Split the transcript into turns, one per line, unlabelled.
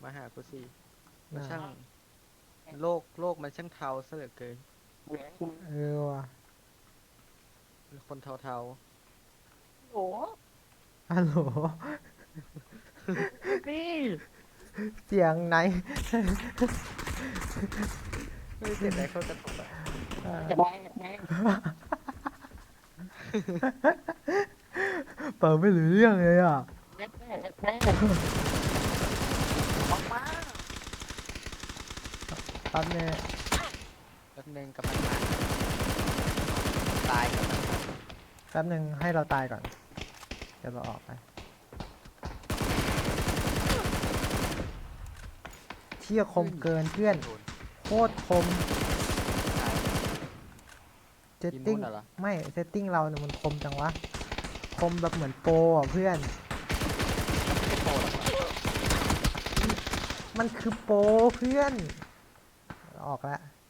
มาหากูสิมัน
น่ะ
ช่างโลกมันช่างเทาซะเหลือเกิน
เออว่ะ
เป็นคนเทา
โอ้
ฮัลโหล
ๆนี่
เสียงไหน
ไม่เสียดายเข้ากระตุกอะ
จะได้ไง
เปิดไม่รู้เรื่องเลยอ่ะ
แม่ออกมา
ตอนนี้
แป๊บนึงกำลังมาตายกำลังมา
แป๊บหนึ่งให้เราตายก่อนเดี๋ยวเราออกไปเที่ยคมเกินเพื่อน
โดน
โคตรคม
ตาย
เซต
ทีมนู้
ติ้ง
นน่ะเหรอ
ไม่เซตติ้งเราเนี่ยมันคมจังวะคมแบบเหมือนโปรอ่ะเพื่อน
ไม่โปรหรอกวะ
มันคือโปรเพื่อนออกแล้ว